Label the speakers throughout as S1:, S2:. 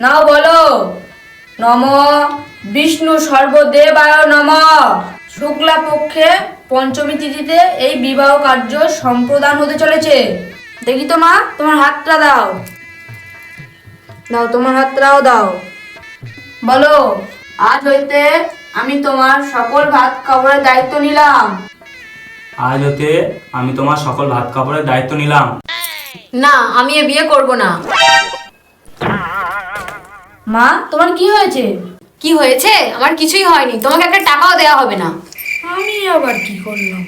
S1: নাও বলো। নম বিষ্ণু সর্বদেবায় নম। শুক্লা পক্ষে পঞ্চমী তিথিতে এই বিবাহ কার্য সম্প্রদান হতে চলেছে। দেখি তো মা, তোমার হাতটা দাও। দাও, তোমার হাতটাও দাও। বলো, আজ হইতে আমি তোমার সকল ভাত কাপড়ের দায়িত্ব নিলাম।
S2: আজ হতে আমি তোমার সকল ভাত কাপড়ের দায়িত্ব নিলাম।
S3: না, আমি এ বিয়ে করব না।
S1: মা, তোমার কি হয়েছে?
S3: কি হয়েছে? আমার কিছুই হয়নি, তোমাকে একটা টাকাও দেওয়া হবে না।
S1: আমি আবার কি করলাম?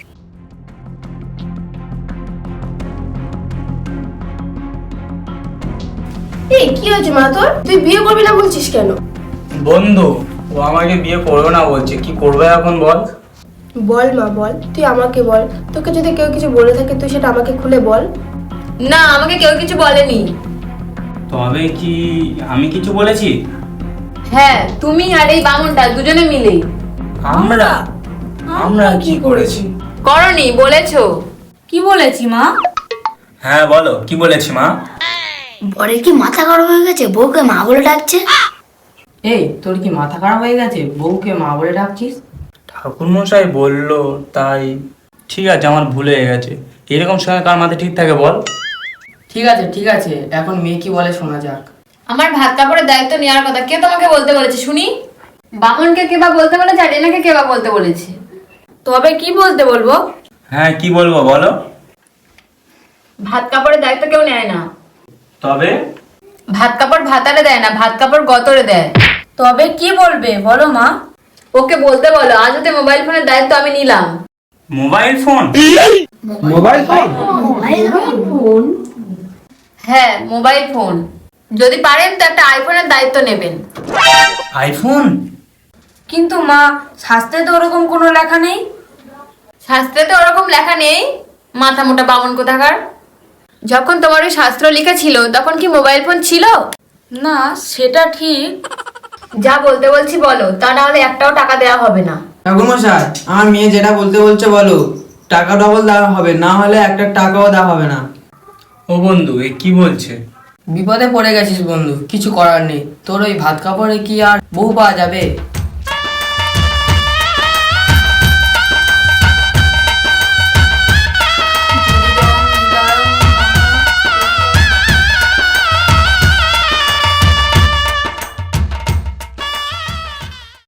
S4: এই কি হয়েছে মা তোর? তুই বিয়ে করবি না বলছিস কেন?
S2: বন্ধু, ও আমাকে বিয়ে করবে না বলছে, কি করবে এখন বল?
S4: বল মা বল, তুই আমাকে বল। তোকে যদি কেউ কিছু বলে থাকে তুই সেটা আমাকে খুলে বল।
S3: না, আমাকে কেউ কিছু বলেনি।
S2: তবে কি আমি কিছু বলেছি?
S3: হ্যাঁ, তুমি আর এই বামুনটা দুজনে মিলে।
S2: আমরা আমরা কি করেছি?
S3: করনি, বলেছো।
S1: কি বলেছি মা?
S2: হ্যাঁ বলো, কি বলেছি মা?
S5: বরের কি মাথা খারাপ হয়ে গেছে? বউকে মা বলে ডাকছে।
S6: এই, তোর কি মাথা খারাপ হয়ে গেছে? বউকে মা বলে ডাকছিস?
S2: ঠাকুরমশাই বললো তাই। ঠিক আছে, আমার ভুল হয়ে গেছে। এরকম সময় কার মাথায় ঠিক থাকে বল?
S6: ঠিক আছে ঠিক আছে, এখন মেয়ে কি বলে শোনা যাক।
S3: আমার ভাত কাপড়ের দায়িত্ব নেওয়ার কথা কে তোমাকে বলতে বলেছে শুনি? বামুনকে কে বা বলতে বলেছে, আর এনাকে কে বা বলতে বলেছে?
S1: তবে কি বলতে বলবো?
S2: হ্যাঁ, কি বলবো বলো?
S3: ভাত কাপড়ের দায়িত্ব কেউ নেয় না।
S2: তবে
S3: ভাত কাপড় ভাতারে দেয় না, ভাত কাপড় গতরে দেয়।
S1: তবে কি বলবে বলো মা?
S3: ওকে বলতে বলো, আজ হতে মোবাইল ফোনের দায়িত্ব আমি নিলাম।
S2: Mobile phone?
S3: হ্যাঁ, মোবাইল ফোন। যদি পারেন তো একটা আইফোনের দায়িত্ব নেবেন।
S2: আইফোন?
S1: কিন্তু মা, শাস্ত্রে তো ওরকম কোনো লেখা নেই।
S3: শাস্ত্রে তো ওরকম লেখা নেই, মাথা মোটা বামন কোথাকার। যখন তোমার ওই শাস্ত্র লেখা ছিল তখন কি মোবাইল ফোন ছিল?
S1: না, সেটা ঠিক।
S3: যা বলতে বলছি বলো, তা না হলে একটাও টাকা দেওয়া হবে না।
S7: ঠাকুরমশাই, আমার মেয়ে যেটা বলতে বলছে বলো। টাকা ডবল দেওয়া হবে, না হলে একটা টাকাও দেওয়া হবে না।
S2: ও বন্ধু, এ কি বলছে?
S6: বিপদে পড়ে গেছিস বন্ধু, কিছু করার নেই। তোর ওই ভাত কাপড়ে কি আর বউ পাওয়া যাবে?